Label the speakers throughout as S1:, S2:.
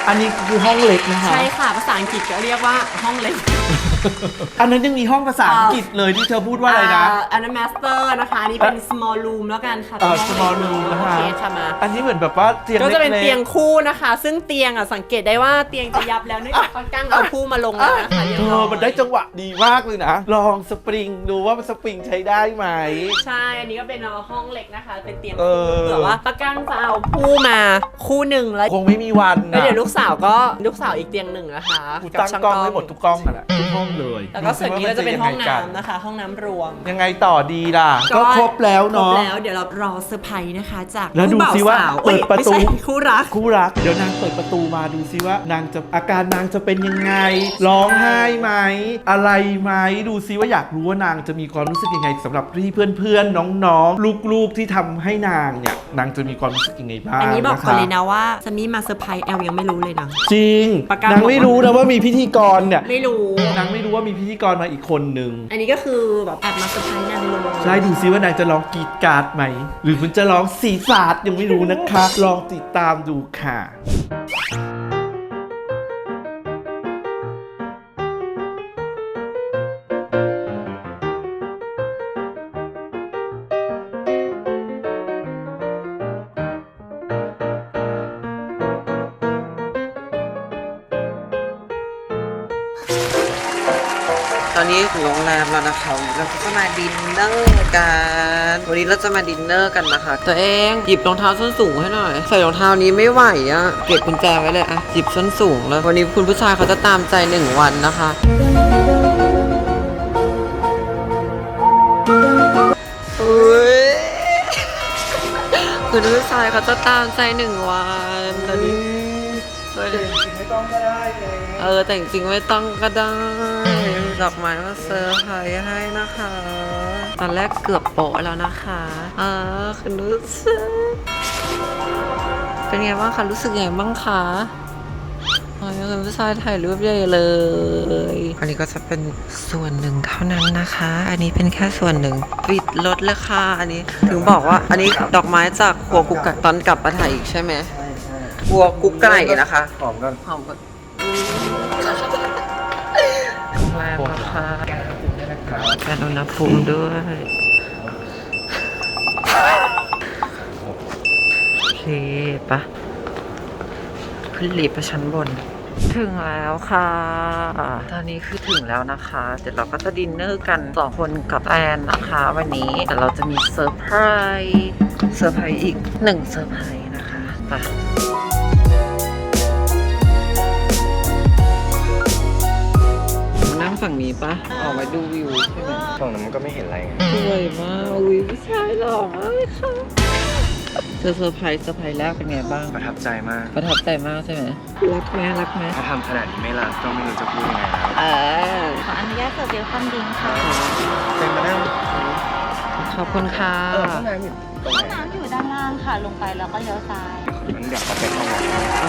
S1: อันนี้คือห้องเล็กนะคะ
S2: ใช่ค่ะภาษาอังกฤษก็เรียกว่าห้องเล็ก
S1: อันนั้นยังมีห้องภาษาอังกฤษเลยที่เธอพูดว่าอะไรนะ
S2: อันนั้น master นะคะอันนี้เป็น small room แล้วกันค่ะ
S1: small room นะคะ
S2: โอเคค่ะมา
S1: อันนี้เหมือนแบบว่าเตียง
S2: ก็
S1: เล็กๆ
S2: จะเป็นเตียงคู่นะคะ ซึ่งเตียงอ่ะสังเกตได้ว่าเตียงจะยับแล้วเนื่องจากป้ากั้งเอาคู่มาลงแล้วนะคะเรียบร้อย
S1: มันได้จังหวะดีมากเลยนะ ลองสปริงดูว่าสปริงใช้ได้ไหม
S2: ใช่ อันนี้ก็เป็นห้องเล็กนะคะ เป็นเตียง
S1: เอ
S2: คู่
S1: อ
S2: เผื่อว่าป้ากั้งจะเอาคู่มาคู่หนึ่งแล้ว
S1: คงไม่มีวัน
S2: แล้ว
S1: นะ
S2: เดี๋ยวลูกสาวอีกเตียงหนึ่งนะคะ
S1: กูตั้งกล้องให้หมดทุกกล้องอะแหละทุกห้องเลย
S2: แล้วก็ส่วนนี้ก็จะเป็นห้อง
S1: ดูสิว่ามั
S2: น้ำนะคะ ห้องน้ำรวม
S1: ยังไงต่อดีล่ะ ก็ครบแล้ว
S2: ครบ
S1: เนาะ
S2: แล้วเดี๋ยวเรารอเซอร์ไพรส์นะคะ จาก
S1: แล้วดู
S2: คู่บ่าว
S1: สิว่า
S2: สาว
S1: เปิดประตู
S2: ไม่ใช่คู่รัก
S1: คู่รัก เดี๋ยวนางเปิดประตูมาดูซิว่านางจะอาการนางจะเป็นยังไง ร้องไห้ไหม อะไรไหม ดูซิว่าอยากรู้ว่านางจะมีความรู้สึกยังไงสำหรับที่เพื่อนๆน้องๆลูกๆที่ทำให้นางเนี่ยนางจะมีความรู้สึกยังไงบ้าง
S2: อันนี้บอก
S1: ะ
S2: ก่อน
S1: คะ
S2: เลยนะว่าซันนี่มาเซอร์ไพรส์แอลยังไม่รู้เลยนะ
S1: จริง
S2: ประกาศ
S1: นางไม่รู้นะว่ามีพิธีกรเนี่ย
S2: ไม่รู้
S1: นางไม่รู้ว่ามีพิธีกรมาอีกคนนึง
S2: อันนี้ก็คือแบบแอบมาเซอร์ไพรส์นางเลย
S1: ใช่ดูซิว่านางจะร้องกรีดกราดไหม หรือมันจะร้องสีสาดยังไม่รู้นะคะ ลองติดตามดูค่ะ
S3: ตอนนี้ถึงโรงแรมแล้วนะคะเราก็จะมาดินเนอร์กันวันนี้เราจะมาดินเนอร์กันนะคะตัวเองหยิบรองเท้าส้นสูงให้หน่อยใส่รองเท้านี้ไม่ไหวอะเก็บกุญแจไว้เลยอะหยิบส้นสูงแล้ววันนี้คุณผู้ชายเขาจะตามใจ1 วันนะคะอุ๊ยคุณผู้ชายเขาจะตามใจ1 วันตอนนี้
S1: ไม่ต้องก็ได้เลย
S3: แต่จริงๆไม่ต้องก็ได้ดอกไม้มาเซอร์ไพรส์ให้นะคะ ตอนแรกเกือบโปะแล้วนะคะคุณรู้สึกเป็นไงบ้างคะรู้สึกไงบ้างคะคุณผู้ชายถ่ายรูปใหญ่เลยอันนี้ก็จะเป็นส่วนหนึ่งเท่านั้นนะคะ อันนี้เป็นแค่ส่วนหนึ่งปิดรถเลยค่ะอันนี้ถึงบอกว่าอันนี้ดอกไม้จากครัวกุ๊กไก่ตอนกลับมาถ่ายอีกใช่ไหมครัวกุ๊กไก่นะคะหอมกันหอมกันแรงนะคะการอุณหภูมิด้วยโอเคปะขึ้นลิฟต์ไปชั้นบนถึงแล้วค่ะ ตอนนี้คือถึงแล้วนะคะเดี๋ยวเราก็จะดินเนอร์กัน2 คนกับแอนนะคะวันนี้แต่เราจะมีเซอร์ไพรส์อีก1 เซอร์ไพรส์นะคะไปนั่งฝั่งนี้ปะออกมาดูวิวใช่ไหม
S4: ฝั่งนั้นมันก็ไม่เห็นอะไรไง
S3: สวยมากวิวผู้ชายหล่อมากเลยค่ะเซอร์ไพรส์แรกเป็นไงบ้าง
S4: ประทับใจมาก
S3: ประทับใจมากใช่ไหมรักไหม
S4: ถ้าทำขนาดนี้ไม่รักก็ไม่รู้จะพูดยังไงแล้ว
S5: ขออนุญาตเสิร์ฟเวลคัมดริงก์ค่ะ
S4: เป็นมานั่ง
S3: ขอบคุณค่ะ
S4: ห้องน้ำอยู่ตรง
S5: ห้อง
S4: ไหน
S5: น้ำอยู่ด้านล่างค่ะ ลงไปแล้วก็เลี้ยวซ้าย
S4: มันอยากเข้าไปห้องน้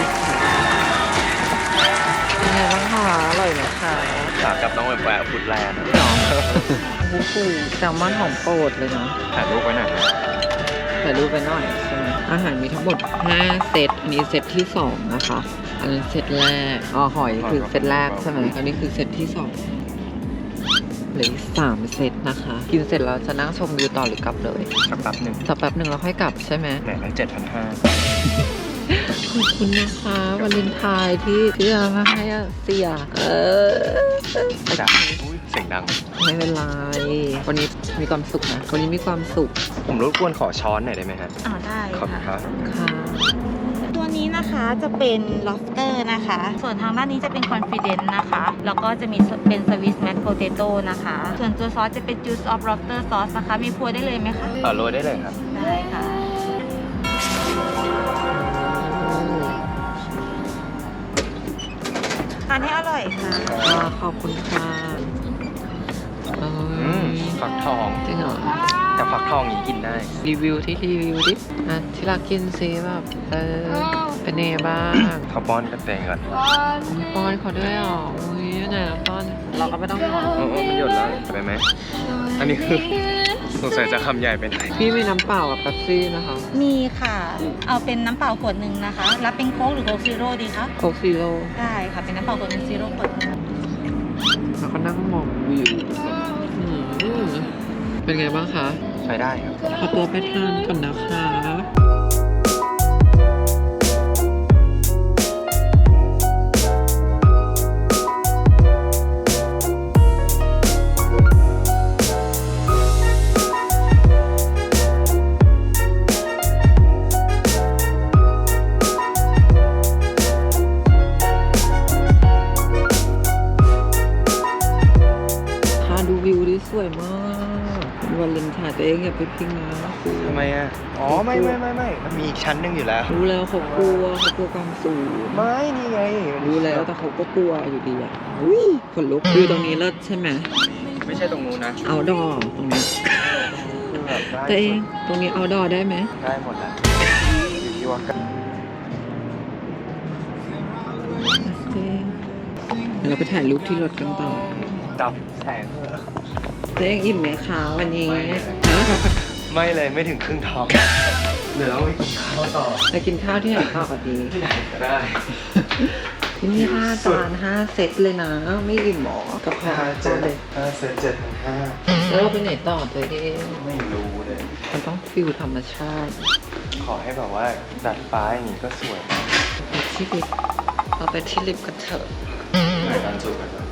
S3: เป็นไงบ้างคะอร่อยไหมคะ
S4: ำขากลับต้องไปแวะพุดแลนด์
S3: โอ้โหแซลมอนของโปรดเลยเนาะ
S4: ถ่ายรูปไว้หน่อยนะ
S3: ถ่ายรูปไปหน่อยใช่ไหมอาหารมีทั้งหมด5 เซตอันนี้เซตที่2นะคะอันนั้นเซตแรกหอยคือเซตแรกใช่ไหมอันนี้คือเซตที่2เหลืออีก3 เซตนะคะกินเสร็จแล้วจะนั่งชมวิวต่อหรือกลับเลย
S4: สักแป๊บหนึ่ง
S3: สักแป๊บหนึ่งแล้วค่อยกลับใช่ไหม
S4: แหมตั้ง7,500
S3: ขอบคุณนะคะวาเลนไทน์ที่เอามาให้เสีย
S4: จ้ะอุ้ยเสียงดัง
S3: ไม่เป็นไรวันนี้มีความสุขนะวันนี้มีความสุข
S4: ผมรบกวนขอช้อนหน่อยได้ไหมฮะ
S5: ได้
S4: ขอบคุณค
S5: ค่ะ
S4: รับ
S3: ค่ะ
S5: ตัวนี้นะคะจะเป็น lobster นะคะ ส่วนทางด้านนี้จะเป็น confident นะคะ แล้วก็จะมีเป็น swiss mashed potato นะคะ ส่วนตัวซอสจะเป็น juice of lobster sauce นะคะ มีพัวได้เลยไหมคะ
S4: โรยได้เลยครับ
S5: ได้ค่ะ ทานให้อร่อยค่ะ
S3: ขอบคุณค่ะ
S4: ฟักทอง
S3: จริงเหรอ
S4: แต่ฟักทองนี้กินได้
S3: รีวิวดิที่รักกินซิแบบเป็นไงบ้าง
S4: เขาป้อนกันเองก่อน
S3: ป้อนเขาด้วยเหรออุ้ยไหนป้อนเราก็ไม่ต้องป้อน
S4: มันหยดแล้วไปไหม อันนี้คือสงสัยจะคำใหญ่ไปหน่อย
S3: พี่มีน้ำเปล่ากับเป๊ปซี่นะคะ
S5: มีค่ะ เอาเป็นน้ำเปล่าขวดหนึ่งนะคะ รับเป็นโค้กหรือโค้กซีโร่ดีคะ
S3: โคกซีโร่
S5: ได้ค่ะ เป็นน้ำเปล่าขวดหนึ่งซีโร่ขวดหนึ่ง
S3: แล้วก็นั่งมองวิวเป็นไงบ้างคะ
S4: ใช้ได้ครับ
S3: ขอตัวไปทานก่อนนะคะ ดูวิวดิสวยมากวันเลนไทน์ตัวเองอย่าไปพิงนะครู
S4: ทำไมอ่ะ อ๋อ ไม่ มันมีอีกชั้นหนึ่งอยู่แล้ว
S3: รู้แล้วเขากลัวความสูง
S4: ไม่ นี่ไง
S3: รู้แล้วแต่เขาก็กลัวอยู่ดีอ่ะอุ้ยขนลุกวิวตรงนี้เลิศใช่ไหม
S4: ไม่ใช่ตรงนู้นนะ
S3: เอาดอตรงนี้
S4: คือแบบได้
S3: ตัวเองตรงนี้เอาดอได้ไหม
S4: ได้หมดแล้วอยู่ที่ว่ากัน
S3: เดี๋ยวเราไปถ่ายรูปที่รถกันต่อ
S4: ดับแสงเถอะ
S3: ตัวเองอิ่มไหมคะวันนี้ฮะ
S4: ไม่เลยไม่ถึงครึ่งท้องเดี๋ยวเราไปกินข้าวต่อ
S3: ไปกินข้าวที่ไหนต่อกันดี
S4: ที่ไหนก็ได้
S3: ที่นี่5 จาน 5 เซตเลยนะ ไม่อิ่มหรอกับข้าวเลย
S4: เสร็จ7,500
S3: แล้วเราไปไหนต่อตัวเอง
S4: ไม่รู้เลย
S3: มันต้องฟิลธรรมชาติ
S4: ขอให้แบบว่าดัดฟ้าอย่างนี้ก็สวยมาก
S3: ไปที่ลิฟต์เราไปที่ลิฟต์กันเถอะ
S4: เหมือนกันจุดกันนะ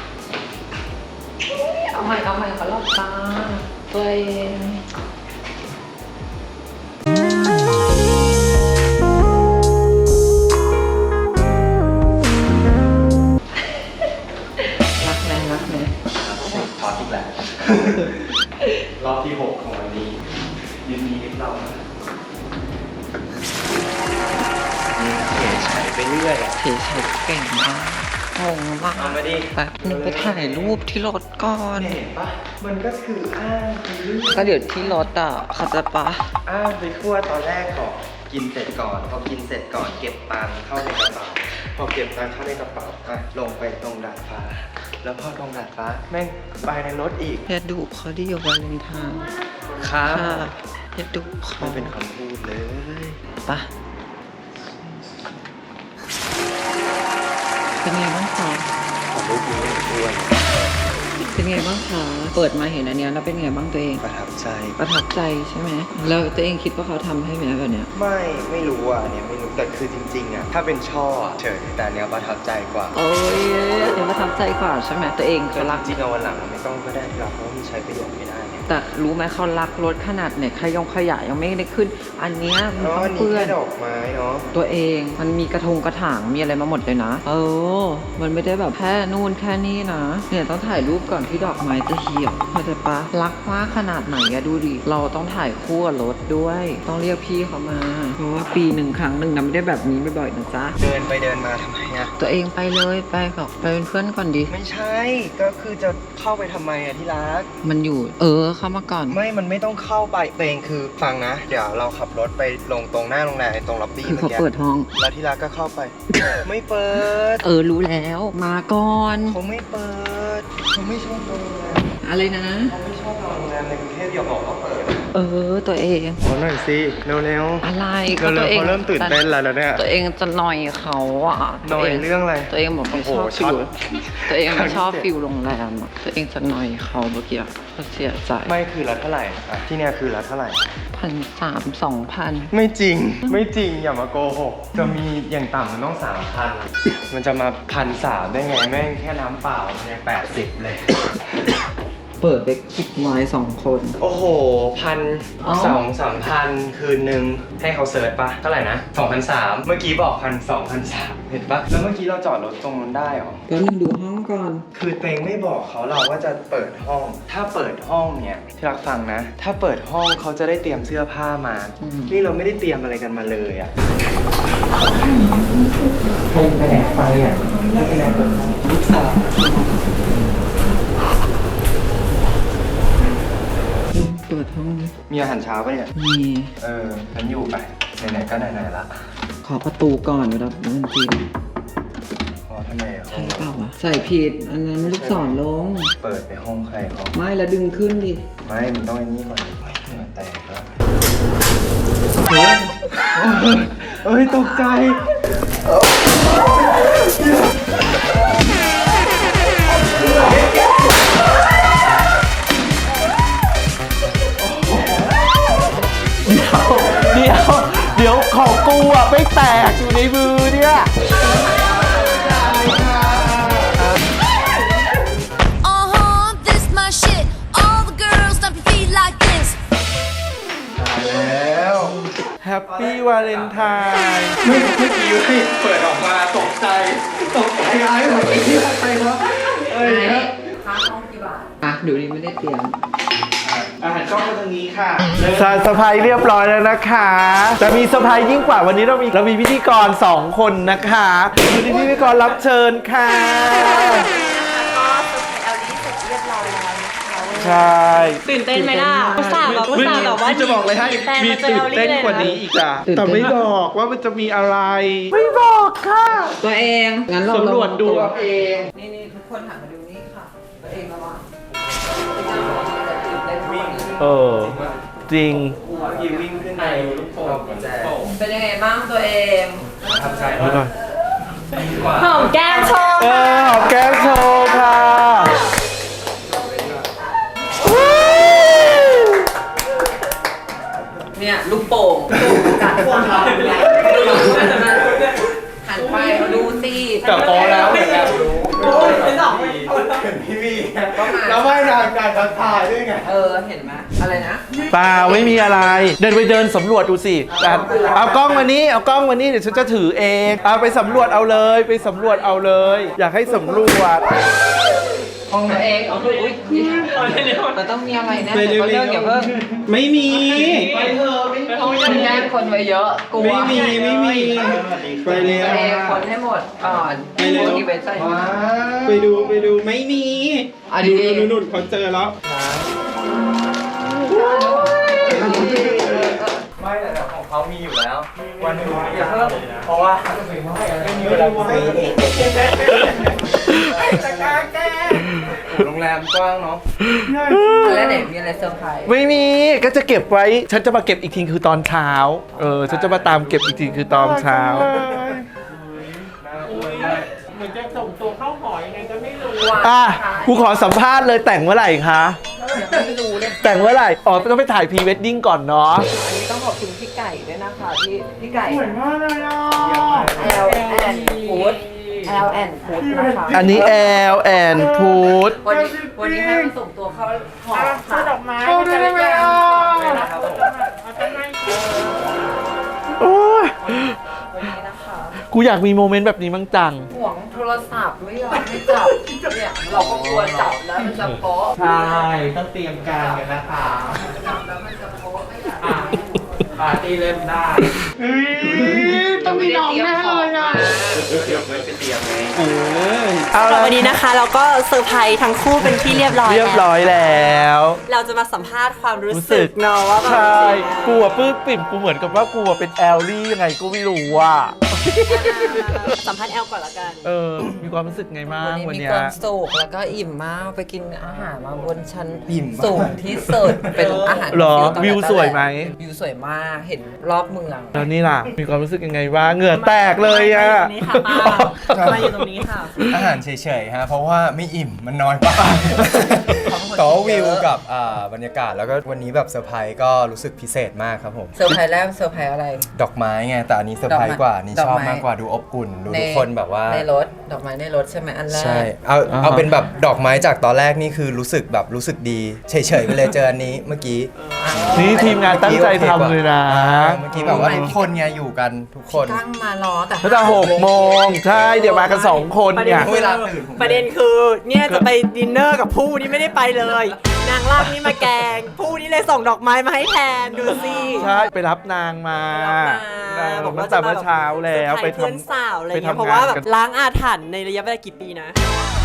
S3: เอาใหม่เขาหลับตาตัวเอง รักไหม
S4: ท็อตอีกแล้ว รอบที่ 6 ของวันนี้ยินดีกับเรานะนี่เก๋ใช้ไปเรื่อยอ่ะ
S3: เฉยๆเก่งมากงงมาก
S4: เอามาดิ
S3: แป๊บนึงไปถ่ายรูปที่รถก่อน
S4: เห็นปะมันก็คืออ้างไปเรื่อย
S3: ก็เดี๋ยวที่รถอ่ะเขาจะปะ
S4: อ้างไปทั่วตอนแรกก่อนกินเสร็จก่อน พอกินเสร็จก่อนเก็บตังค์เข้าในกระเป๋า พอเก็บตังค์เข้าในกระเป๋าอ่ะลงไปตรงดาดฟ้า แล้วพอตรงดาดฟ้าแม่งไปในรถอีก
S3: อย่าดุเขาดิอยู่วันเลนไทน์
S4: ครับ
S3: ค่ะอย่าดุเขา
S4: ไม่เป็นคำพูดเลย
S3: ปะเป็นไงบ้างคะ
S4: ขอรูปนี้ด้วย
S3: เป็นไงบ้างคะเปิดมาเห็นอันเนี้ยแล้วเป็นไงบ้างตัวเอง
S4: ประทับใจ
S3: ประทับใจใช่ไหมแล้วตัวเองคิดว่าเขาทำให้ไหมแบบเนี้ย
S4: ไม่รู้อ่ะเนี่ยไม่รู้แต่คือจริงๆอ่ะถ้าเป็นช่ออะเฉยแต่อันเนี้ยประทับใจกว่า
S3: โอ้ยเดี๋ยวประทับใจกว่าใช่ไหมตัวเองเขารัก
S4: จริงๆเอาวันหลังไม่ต้องก็ได้ที่เราเพราะว่ามันใช้ประโยชน์ไม่ได้ไง
S3: แต่รู้ไหมเขารักรถขนาดไหนขยะยังไม่ได้ขึ้น อันเนี้ยมัน
S4: อ๋อ
S3: ต้อง
S4: อันนี้
S3: เปื้อ
S4: แค่
S3: น
S4: ดอกไม้เนาะ
S3: ตัวเองมันมีกระถางมีอะไรมาหมดเลยนะ มันไม่ได้แบบแค่นู่นแค่นี้นะเนี่ยต้องถ่ายรูปก่อนที่ดอกไม้จะเหี่ยวเข้าใจปะรักมากขนาดไหนอะดูดิเราต้องถ่ายคู่กับรถด้วย ต้องเรียกพี่เขามาเพราะว่าปีหนึ่งครั้งหนึ่งนะไม่ได้แบบนี้บ่อยๆนะจ๊ะ
S4: เดินไปเดินมาทำไมอ่ะ
S3: ตัวเองไปเลยไปกับไปเป็นเพื่อนก่อนดิ
S4: ไม่ใช่ก็คือจะเข้าไปทำไมอ่ะที่รัก
S3: มันอยู่เข้ามาก่อน
S4: มันไม่ต้องเข้าไปตัวเองคือฟังนะ เดี๋ยวเราขับรถไปลงตรงหน้าโรงแรมตรงล็อบบี้
S3: คือ
S4: เมื่อ
S3: เขา
S4: กี้
S3: เปิดห้อง
S4: แล้วที่รักก็เข้าไป ไม่เปิด
S3: รู้แล้วมาก่อน
S4: เขาไม่เปิดเขาไม่ชอบโรงแรม
S3: อะไรนะ
S4: เขาไม่ชอบโรงแรมในกรุงเทพอย่าบอกว่าเปิด
S3: ตัวเอง
S4: ขอหน่อยสิเร็วๆ
S3: อะไร
S4: เร็วๆ
S3: ตัวเอง
S4: เขาเริ่มตื่นเต้นแล้วเนี่ย
S3: ตัวเองจะหน่อยเขาอ่ะ
S4: หน่อยเรื่องอะไร
S3: ตัวเองบอกไม่ชอบ
S4: โอ้โห
S3: ฟิล
S4: ช็อต
S3: ตัวเองไม่ชอบ
S4: ครั้งที่
S3: ฟิลโรงแรมอะตัวเองจะหน่อยเขาเมื่อกี้เขาเสียใจ
S4: ไม่คือละเท่าไหร่อ่ะที่เนี่ยคือละเท่าไหร่
S3: 1,300 2,000
S4: ไม่จริง ไม่จริงอย่ามาโกหก จะมีอย่างต่ำมันต้อง 3,000 มันจะมา1,300ได้ไงแม่งแค่น้ำเปล่ามันยัง80 เลย
S3: เปิดไปคิดไว้2 คน
S4: โอ้โห
S3: อ๋อ
S4: 1,200-3,000 คืนนึงให้เขาเสิร์ชปะเท่าไหร่นะ 2,300 เมื่อกี้บอก1,200-1,300 เห็นปะแล้วเมื่อกี้เราจอดรถตรงนั้นได้เหรอ
S3: แล้วนึงดูห้องก่อน
S4: คือเตงไม่บอกเขาเราว่าจะเปิดห้อง ถ้าเปิดห้องเนี่ยที่รักฟังนะ ถ้าเปิดห้องเขาจะได้เตรียมเสื้อผ้ามา นี่เราไม่ได้เตรียมอะไรกันมาเลยอ่ะคงไปแดกไฟอ่ะไม่ไปแดกเปิดห้องลูกสาว
S3: เปิดห้อง
S4: มีอาหารเช้าปะเนี่ย
S3: มี
S4: ฉันอยู่ไปไหนๆก็ไหนๆละ
S3: ขอประตูก่อนเดี๋ยวเราเดินจีน
S4: ขอททำไมห้อง
S3: เปล่าวะใส่ผิดอันนั้นลูกศรลง
S4: เปิดไปห้องใครห้อง
S3: ไม่แล้วดึงขึ้นดิ
S4: ไม่มันต้องไอ้นี่ก่อนเหงื่อแตกแล้วเฮ้ยตกใจ
S1: เดี๋ยวของกูอ่ะไม่แตกอยู่ในมือเนี่ย
S6: This my shit. All the girls stomp your feet like this.
S4: แล้ว
S1: แฮปปี้วาเลนไทน์
S4: เมื่อกี้ให้เปิดออกมาตกใจไอ้หมดไอ้ที่ใครวะเอ้ย
S3: อ่ะดูดิไม่ได้เตรียม
S1: อาหารกล้องมาทางนี้ค่ะสายสะพายเรียบร้อยแล้วนะคะจะมีสะพายยิ่งกว่าวันนี้เรามีพิธีกร2 คนนะคะคือพิธีกรรับเชิญค่ะ ใช่
S2: ตื่นเต้นไหมล่ะอุตส่าห์แบบว่า
S1: จะบอกเลยให้
S2: แต่
S1: มี
S2: มันจะ
S1: ตื่น
S2: เอา
S1: เต้น
S2: เลย
S1: กว่านี้อีกอ่ะ
S3: ตื่นเต้น
S1: แต่ไม่บอกว่ามันจะมีอะไร ไม่บอกค่ะ
S3: ตัวเองงั้นเรา
S1: สำรวจดูเอาเอง
S3: นี่ทุกคนหันมาดูนี่ค่ะ ตัวเองระวัง
S1: เออ จริง
S4: กีวิ่งขึ้นในลูกโป่งแจก
S3: เป็นยังไงบ้างตัวเอง
S4: ทำใจ
S1: แล้วก่อน
S2: หอมแก้มโชว์
S1: เออหอมแก้มโชว์ค่ะ
S3: เนี่ยลูกโป่งจัดควงเราหันไปดูสิ
S1: แต่พอแล้วเหมือนกัน
S4: พี่วี
S3: ก็มา
S4: แล้วไม่นานการทักทายด้วยไง
S3: เห็นไหมอะไรนะ
S1: เปล่าไม่มีอะไร เดินไปเดินสำรวจดูสิเอากล้องมานี่เอากล้องมานี่เดี๋ยวฉันจะถือเองเอาไปสำรวจเอาเลยไปสำรวจเอาเลย อยากให้สำรวจ
S3: ตัวเองเอาดูอุ้ยมันต้องมีอะไรแน่เลยก็เลิกอย่าเพิ่ง
S1: ไม่มี
S3: มันแย่งคนไว้เยอะกลัว
S1: ไม่มีไปเร็ว
S3: ตัวเองคนให้หมดก่อน
S1: ไปเร็ว
S3: อีเวนต์ใส่
S1: ไปดูไม่มี
S3: อ่ะดี
S1: นุ่นเขาเจอแล้ว
S4: ไม่แต่ของเขามีอยู่แล้ว วันนึงอย่าเพิ่มเพราะว่าไม่มีเวลาซื้อจะกล้าแก้โรงแรมกว้างเนาะ
S3: แล้วไหนมีอะไรเซอร์ไพรส์
S1: ไม่มีก็จะเก็บไว้ ฉันจะมาเก็บอีกทีคือตอนเช้า ฉันจะมาตามเก็บอีกทีคือตอนเช้า
S2: เหมือนจะส่งตัวเข้าหอยังไงก็ไม่รู้
S1: อ่ะกูขอสัมภาษณ์เลยแต่งเมื่อไหร่คะ
S3: ไม่รู้เลย
S1: แต่งเมื่อไหร่อ๋อต้องไปถ่ายพรีเวดดิ้งก่อนเนาะ
S3: อันนี้ต้องขอบคุณพี่ไก่ด้วยนะคะพี่ไก่
S1: เหมือนมากเลยอ่ะ
S3: L and Food L and Food นะคะ
S1: อันนี้แอลแอนพูด
S3: วันนี้ให้มาส่งตัวเข้าหอค่ะ
S2: ดอกไม้
S1: เอาได้ไหมอ่ะ โอ้ย
S3: วันนี้นะคะ
S1: กูอยากมีโมเมนต์แบบนี้มั้งจัง
S3: ห่วงโทรศัพท์ไม่ยอมให้จับเนี่ยเราก็กลัวจับแล้วมันจะโป๊ะ
S1: ใช่ต้องเตรียมการกันนะคะ
S3: จับแล้วมันจะโป๊ะไม่อยาก
S1: ปาร์ตี้เล่นได้ต้องมีน้องแน่เลยอ่ะ
S4: เดี๋ยวไม่ไปเตรียมไง
S1: เอาละ
S2: วันนี้นะคะเราก็เซอร์ไพรส์ทั้งคู่เป็นที่เรียบร้อย
S1: เรียบร้อยแล้ว
S2: เราจะมาสัมภาษณ์ความรู้สึกเนาะว่าแบบ
S1: ใช่กูอะปลื้มปิ่มกูเหมือนกับว่ากูอะเป็นแอลลี่ยังไงกูไม่รู้ว่า
S2: สัมภาษณ์แอลก่อนละกัน
S1: มีความรู้สึกไงบ้าง
S3: วั
S1: วัน น
S3: นี้มี
S1: เนี้
S3: ค
S1: ย
S3: วามสุขแล้วก็อิ่มมากไปกินอาหารมาบนชั้นสูงที่สุดเป็นอาหาร
S1: หรอ
S3: ตั้งแต่
S1: วิวสวยไหม
S3: วิวสวยมากเห็นรอบเมือง
S1: แล้วนี่ล่ะ มีความรู้สึกยังไงบ้างเหงื่อแตกเลยอ่ะ
S2: นี่ค่ะป้ามาอยู่ตรงนี้ค่ะ
S4: อาหารเฉยๆฮะเพราะว่าไม่อิ่มมันน้อยไปแต่ว่าวิวกับบรรยากาศแล้วก็วันนี้แบบเซอร์ไพรส์ก็รู้สึกพิเศษมากครับผม
S3: เซอร์ไพรส์แรกเซอร์ไพรส์อะไร
S4: ดอกไม้ไงแต่อันนี้เซอร์ไพรส์กว่านี่
S3: ดอก
S4: ชอบ
S3: ไม้
S4: มากกว่าดูอบอุ่นดูทุกคนแบบว่า
S3: ในรถดอกไม้ในรถใช่ไหมอันแรก
S4: ใช่เอาเป็นแบบดอกไม้จากตอนแรกนี่คือรู้สึกดีเฉยๆไปเลยเจออันนี้เมื่อกี้
S1: นี่ทีมงานตั้งใจทำเลยนะ
S4: เมื่อกี้แบบว่าทุกคนไงอยู่กันทุกคน
S3: ตั้งมารอแต่
S1: ตั้งแต่6 โมงใช่เดี๋ยวมากัน2 คนเนี่ย
S4: เวลาตื่นผม
S2: ประเด็นคือเนี่ยจะไปดินเนอร์กับผู้นี่ไม่ได้ไปเลย นางลากนี่มาแกงผู้นี่เลยส่งดอกไม้มาให้แทนดูสิ
S1: ใช่ไปรับนางมาบอกตั้งแต่เมื่อเช้าแล้ว
S2: ไป
S1: ไป
S2: เพื่อน
S1: ทำ
S2: สาวอะไร
S1: ไป
S2: เงี้ย
S1: ทำ
S2: เพราะว่าแบบ
S1: งานกัน
S2: ล้างอาถรรพ์ในระยะเวลากี่ปีนะ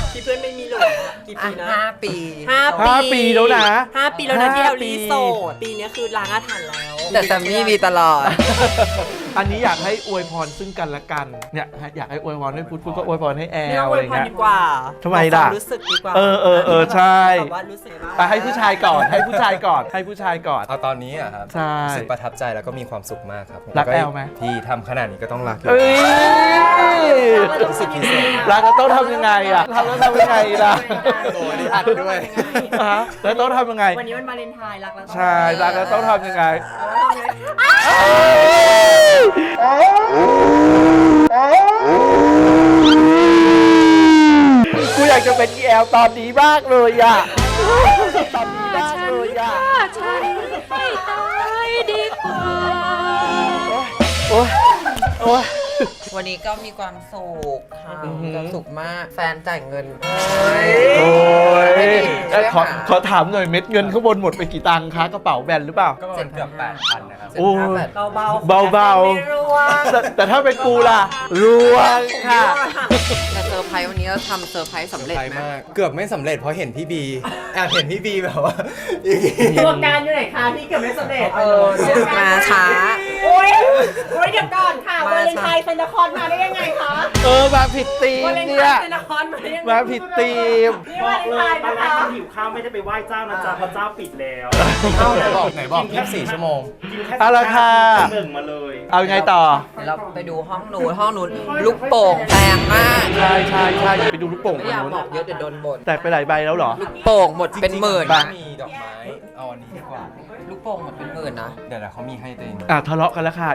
S2: ที่เพื่อนไม่มีหลุมกี่ปีนะ
S3: 5 ปี
S1: 5 ปีแล้วนะ
S2: 5 ปีแล้วนะที่
S1: 5
S2: เอลลี่โสดปีนี้คือล้างอาถรรพ์แล้ว
S3: แต่แซมมี่มีตลอด
S1: อันนี้อยากให้อวยพรซึ่งกันและกัน เนี่ยอยากให้อวยพรให้พุทธก็อวยพรให้แอ
S2: ไม่
S1: ล
S2: ต้อง
S1: อะ
S2: อ
S1: ไร
S2: วยพร
S1: เงี้ย
S2: ดีกว่า
S1: ทำไมล่ะ
S2: บอกความรู้สึกดีกว่า
S1: เออใช่
S2: แบบว่ารู้สึกบ้าง
S1: ไปให้ผู้ชายก่อนให้ผู้ชายก่อนให้ผู้ชายก่อน
S7: เอาตอนนี้อะครับ
S1: ใช่
S7: รู้สึกประทับใจแล้วก็มีความสุขมากครับ
S1: รัก
S7: ก็
S1: แอลไหม
S7: ที่ทำขนาดนี้ก็ต้องรักอยู่
S1: เอ้ย
S7: รู้สึกพิเศษ
S1: รักแล้วต้องทำยังไงอ่ะทำแล้วทำยังไงล่ะ
S7: โอ้ยอัดด้วย
S1: ฮะแล้วต้องทำยังไง
S2: วันนี้มันวาเลนไทน์รักแล้ว
S1: ใช่รักแล้วต้องทำยังไง กูอยากจะเป็นแอลตอนนี้มากเลยอ่ะตอนนี้มากเลยอ่ะ
S5: ฉันไม่ตายดีกว่า
S1: โอ๊ยโอ๊ย
S3: วันนี้ก็มีความสุขค่ะ
S1: อือหือ
S3: มีความสุขมากแฟนจ่ายเงิน
S1: โอ้ย
S3: ไม่ดีใช่ไหมคะ
S1: ขอถามหน่อยเม็ดเงินข้างบนหมดไปกี่ตังค์คะกระเป๋าแบนหรือเปล่า
S7: ก็ประมาณเกือบ 8,000 นะครับ
S1: โอ้ย
S2: เบาๆ
S1: เบาๆ
S2: ไม่ร่วง
S1: แต่ถ้าเป็นกูล่ะรวงค่ะ
S3: แต่เซอร์ไพรส์วันนี้เราทำเซอร์ไพรส์สำเร็จ
S7: ใช่
S3: ไหม
S7: มาก เกือบไม่สำเร็จเพราะเห็นพี่บีแอบเห็นพี่บีแบบว่าอย่างงี้
S2: ตัวการอยู่ไหนคะที่เกือบไม่สำเร็จ
S3: มาช้า
S2: โอ้ยเดี๋ยวก่อนค่ะวาเลนไทน์เซนต์คอนมาได้ยังไงคะ
S1: มาผิดธีม
S2: วาเลนไท
S1: เนี่ย
S2: น์เซนต์คอนมาได้ยังไง
S1: มาผิดธีม
S2: นี่วาเลนไทน์นะคะ
S8: หิวข้าวไม่ได้ไปไหว้เจ้านะจ๊ะเพราะเจ้าปิดแล้ว
S7: เอ้าไหนบอก24 ชั่วโมง
S8: กินแค่
S1: เอาละค่ะ
S8: หนึ่งมาเลย
S1: เอายังไงต่อ
S3: เดี๋ยวเราไปดูห้องนู้นลูกโป่งแพงมาก
S1: ใช่ไปดูลูกโป่ง
S3: ไม่
S1: ตรง
S3: อยาก
S1: นู้น
S3: บอกเยอะเดี๋ยวโดนบ่น
S1: แตกไปหลายใบแล้วเหรอ
S3: ลูกโป่งหมดเป็นหมื่น
S7: จริงๆ
S3: นะ
S7: มีดอกไม้ เอาอันนี้ดีกว่า
S3: ลูกโป่งหมดเป็นหมื่นนะ
S7: เดี๋ยวเขามีให้ตัวเอง
S1: ทะเลาะกันแล้วค่ะ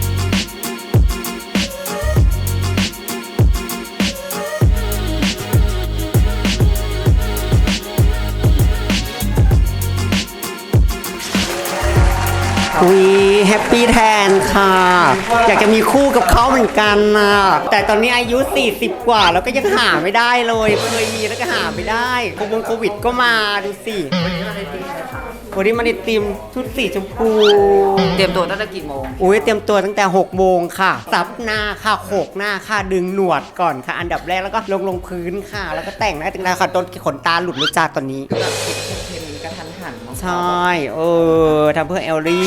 S9: วีแฮปปี้แทนค่ะ อยากจะมีคู่กับเขาเหมือนกันนะแต่ตอนนี้อายุ 40 กว่าแล้วก็ยังหาไม่ได้เลยเคยมีแล้วก็หาไม่ได้โควิดก็มาดูสิวันนี้มาในทีมชุดสีชมพู
S3: เตรียมตัวตั้งแต่กี่โมง
S9: อุ้ยเตรียมตัวตั้งแต่6 โมงค่ะซับหน้าค่ะโขกหน้าค่ะดึงหนวดก่อนค่ะ อันดับแรกแล้วก็ลงพื้นค่ะ แล้วก็แต่งหน้าแต่งตาค่ะต้นขนตาหลุดรู้จักตอนนี้
S3: แบบเค็มๆกระทันหัน
S9: ใช่ทำเพื่อแอลลี่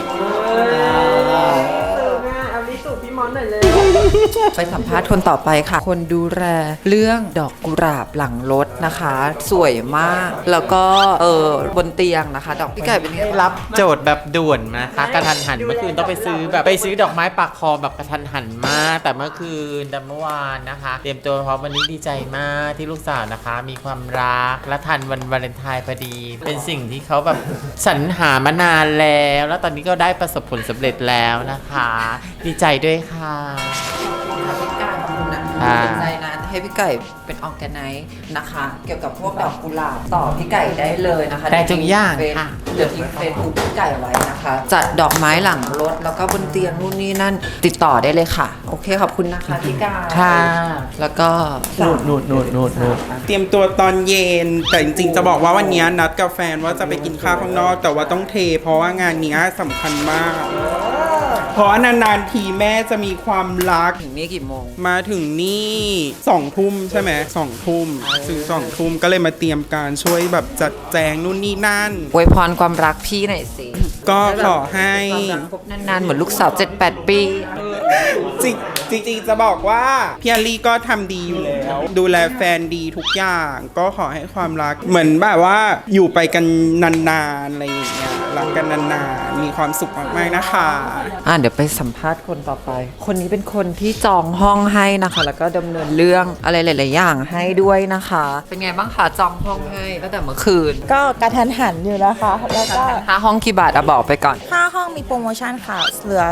S3: ไปสัมภาษณ์คนต่อไปค่ะ คนดูแลเรื่องดอกกุหลาบหลังรถนะคะ สวยมาก แล้วก็บนเตียงนะคะ ดอกพี่ไก่เป็นไง
S10: รับโจทย์แบบด่วนนะคะกระทันหันเมื่อคืนต้องไปซื้อดอกไม้ปักคอแบบกระทันหันมาก แต่เมื่อคืนแต่เมื่อวานนะคะ เตรียมตัวพร้อมวันนี้ดีใจมากที่ลูกสาวนะคะ มีความรักและทันวันวาเลนไทน์พอดี เป็นสิ่งที่เขาแบบสรรหามานานแล้ว แล้วตอนนี้ก็ได้ประสบผลสำเร็จแล้วนะคะ ดีใจด้วยค่ะ
S3: พี่ไก่คุณนะ
S10: ค่ะ
S3: สนใจนะให้พี่ไก่เป็นออร์แกไนซ์นะคะ เกี่ยวกับพวกดอกกุหลาบต่อพี่ไก่ได้เลยนะคะ
S10: ได้ทุกอย่างค่ะ
S3: เดี๋ยวทิ้งเฟซบุ๊กพี่ไก่ไว้นะคะ จัดดอกไม้หลังรถแล้วก็บนเตียงนู่นนี่นั่นติดต่อได้เลยค่ะ โอเคขอบคุณนะคะพี่ไก่
S10: ค่ะ
S3: แล้วก็
S1: นูด
S11: เตรียมตัวตอนเย็น แต่จริงๆจะบอกว่าวันนี้นัดกับแฟนว่าจะไปกินข้าวข้างนอก แต่ว่าต้องเท เพราะว่างานนี้สำคัญมาก เพราะว่านานๆทีแม่จะมีความรัก
S3: ถึงนี่กี่โมง
S11: มาถึงนี่2 ทุ่มใช่ไหม2 ทุ่มซื้อ2 ทุ่มก็เลยมาเตรียมการช่วยแบบจัดแจงนู่นนี่นั่น
S3: อวยพรความรักพี่หน่อยสิ
S11: ก็ขอให้
S3: ความรักคบนานๆเหมือนลูกสาว 7-8 ปี
S11: จริงๆจะบอกว่าพี่อลลี่ก็ทำดีอยู่แล้ว ดูแลแฟนดีทุกอย่าง ก็ขอให้ความรักเหมือนแบบว่าอยู่ไปกันนานๆอะไรอย่างเงี้ยรักกันนานๆมีความสุขมากๆนะคะ
S3: เดี๋ยวไปสัมภาษณ์คนต่อไป คนนี้เป็นคนที่จองห้องให้นะคะ แล้วก็ดำเนินเรื่องอะไรหลาย ๆ อย่างให้ด้วยนะคะ เป็นไงบ้างคะจองห้องให้ตั้งแต่เมื่อคืน
S12: ก็กระทันหันอยู่นะคะ แล้วก็
S3: ค่าห้องกี่บาทอะบอกไปก่อน
S12: ค่าห้องมีโปรโมชั่นค่ะ เหลือ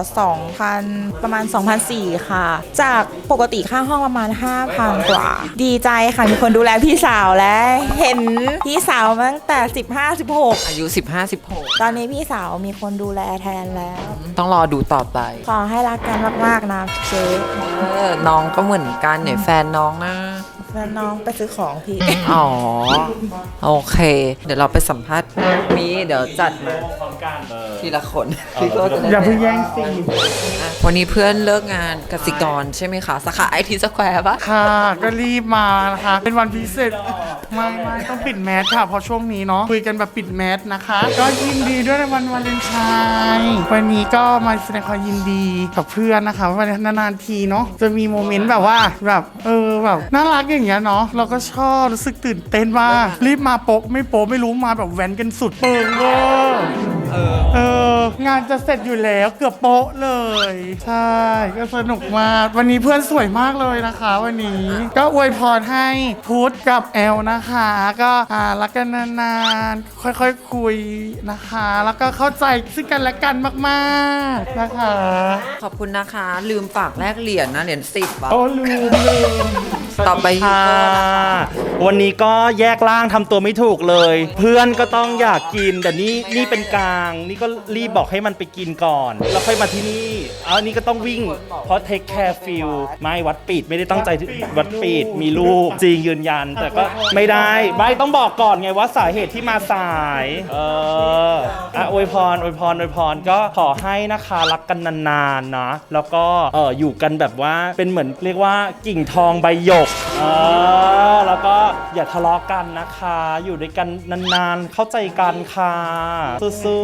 S12: 2,000 ประมาณ 2,400 ค่ะ จากปกติค่าห้องประมาณ 5,000 กว่า ดีใจค่ะ มีคนดูแลพี่สาวและเห็นพี่สาวมาตั้งแต่ 15-16
S3: อายุ 15-16
S12: ตอนนี้พี่สาวมีคนดูแลแทนแล้ว
S3: ต้องรอดูต่อไป
S12: ขอให้รักกันมาก ๆ นะเจ๊
S3: น้องก็เหมือนกันเนี่ยแฟนน้องนะ
S12: แล้วน้องไปซื้อของพี่
S3: อ๋อ โอเค เดี๋ยวเราไปสัมภาษณ์มีเดี๋ยวจัดมา
S8: พร้อมกัน
S3: ทีละคนพี่ก็จะได้
S11: อย่าเพิ่งแย่งสิ
S3: วันนี้เพื่อนเลิกงานกสิกรใช่ไหมคะสาขาไอทีสแควร์ปะ
S11: ค่ะก็รีบมานะคะ เป็นวันพิเศษไม่ต้องปิดแมสค่ะเพราะช่วงนี้เนาะคุยกันแบบปิดแมสนะคะ ก็ยินดีด้วยในวันวาเลนไทน์วันนี้ก็มาแสดงความยินดีกับเพื่อนนะคะวันนานๆทีเนาะจะมีโมเมนต์แบบว่าแบบแบบน่ารักอย่างเงี้ยเนาะเราก็ชอบรู้สึกตื่นเต้นมากรีบมาโป๊ะไม่รู้มาแบบแว้นกันสุดเปิงเวอร์งานจะเสร็จอยู่แล้วเกือบโป๊ะเลยใช่ก็สนุกมากวันนี้เพื่อนสวยมากเลยนะคะ วันนี้ก็อวยพรให้พุทธกับแอลนะคะ ก็รักกันนานๆค่อยๆคุยนะคะ แล้วก็เข้าใจซึ่งกันและกันมากๆนะคะ
S3: ขอบคุณนะคะ ลืมฝากแลกเหรียญนะเหรียญ10
S11: โอ้ลืม
S3: ต่อไปยูโก้นะคะ
S13: วันนี้ก็แยกร่างทำตัวไม่ถูกเลย เพื่อนก็ต้องอยากกินแต่นี่เป็นกลางนี่ก็รีบบอกให้มันไปกินก่อน แล้วค่อยมาที่นี่นี่ก็ต้องวิ่งเพราะ take care feel ไม่วัดปิดไม่ได้ตั้งใจวัดปิดมีลูกจริงยืนยัน แต่ก็ไม่ได้ไม่ต้องบอกก่อนไงว่าสาเหตุที่มาสายอวยพรก็ขอให้นะคะรักกันนานๆนะแล้วก็อยู่กันแบบว่าเป็นเหมือนเรียกว่ากิ่งทองใบหยกแล้วก็อย่าทะเลาะกันนะคะอยู่ด้วยกันนานๆเข้าใจกันค่ะสู้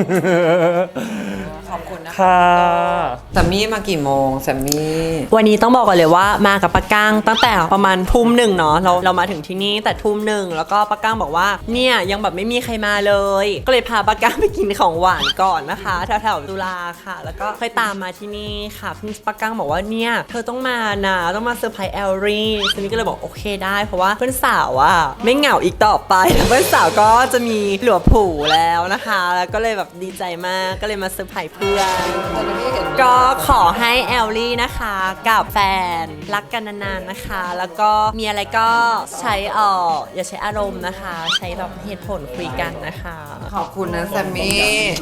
S13: ๆ
S3: ขอบคุณนะ
S13: ค่ะ
S3: แซมมี่มากี่โมงแซมมี่
S2: วันนี้ต้องบอกก่อนเลยว่ามากับปะก้างตั้งแต่ประมาณทุ่มหนึ่งเนาะเรามาถึงที่นี่แต่ทุ่มหนึ่งแล้วก็ปะก้างบอกว่าเนี่ยยังแบบไม่มีใครมาเลย ก็เลยพาปะก้างไปกินของหวานก่อนนะคะแถวๆตุลาค่ะแล้วก็ค่อยตามมาที่นี่ค่ะพี่ปะก้างบอกว่าเนี่ยเธอต้องมานะต้องมาเซอร์ไพรส์แอลลี่ซึ่งนี่ก็เลยบอกโอเคได้เพราะว่าเพื่อนสาวอ่ะไม่เหงาอีกต่อไปเพื่อนสาวก็จะมีหลัวผูแล้วนะคะแล้วก็เลยแบบดีใจมากก็เลยมาเซอร์ไพรส์เพื่อนก็ขอให้แอลลี่นะคะกับแฟนรักกันนานๆนะคะ แล้วก็มีอะไรก็ใช้อย่าใช้อารมณ์นะคะ ใช้แบบเหตุผลคุยกันนะคะ
S3: ขอบคุณนะแซมมี่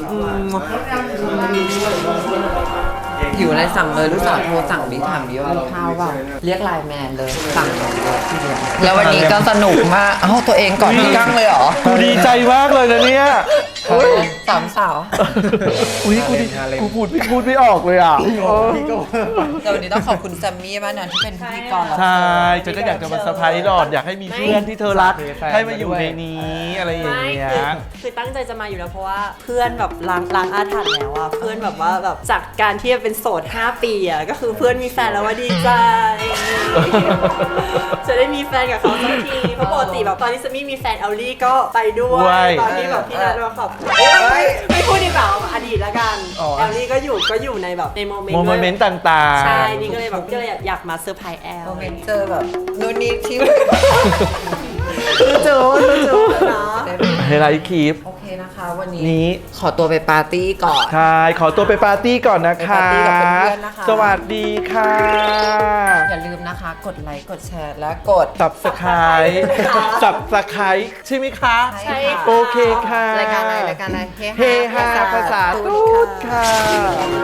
S3: อยู่อะไรสั่งเลยลูกสาวโทรสั่งดิถามดิว่ามีข้าวเปล่าเรียกไลน์แมนเลยสั่งเลยทีเดียวแล้ววันนี้ก็สนุกมากเอ้าตัวเองก่อนพี่กั้งเลยเหรอ
S1: กูดีใจมากเลยนะเนี่ย
S3: สามสาว
S1: อุ้ยกูพูดไม่ออกเลยอ่ะ
S3: แต่วันนี้ต้องขอบคุณแซมมี่มากนะที่เป็นพิธีกร
S1: ใช่ฉันก็อยากจะมาเซอร์ไพรส์หลอดอยากให้มีเพื่อนที่เธอรักให้มาอยู่ในนี้อะไรอย่างเงี้ย
S2: คือตั้งใจจะมาอยู่แล้วเพราะว่าเพื่อนแบบล้างอาถรรพ์แล้วอะเพื่อนแบบว่าแบบจากการที่เป็นโสด5 ปีอะก็คือเพื่อนมีแฟนแล้วว่าดีใจ จะได้มีแฟนกับเขาสักทีเพราะปกติแบบตอนที่ซามี่มีแฟนแอลลี่ก็ไปด้วยตอนที่แบบพี่นัทมาขอบไม่พูดดีกว่าอดีตละกันแอลลี่ก็อยู่ในแบบในโมเมนต์
S1: ต่างๆ
S2: ใช่นี่ก็เลยแบบก็เลยอยากมาเซอร์ไพรส์แอล
S3: โมเมนต์เจอแบบนู่นนี่ที่
S2: เจอนะ
S1: ให้ไลฟ์คลิป
S3: โอเคนะคะวันนี้ขอตัวไปปาร์ตี้ก่อน
S1: ใช่ขอตัวไปปาร์ตี้ก่อนนะคะ
S3: ไปปาร์ตี้กับเพื่อนๆนะคะ
S1: สวัสดีค่ะ
S3: อย่าลืมนะคะกดไลค์กดแชร์และกด
S1: Subscribe ใช่ไหมคะ
S3: ใช่ค่ะ
S1: โอเคค่ะ
S3: รายการอะไร
S1: เฮฮาภาษาตูดค่ะ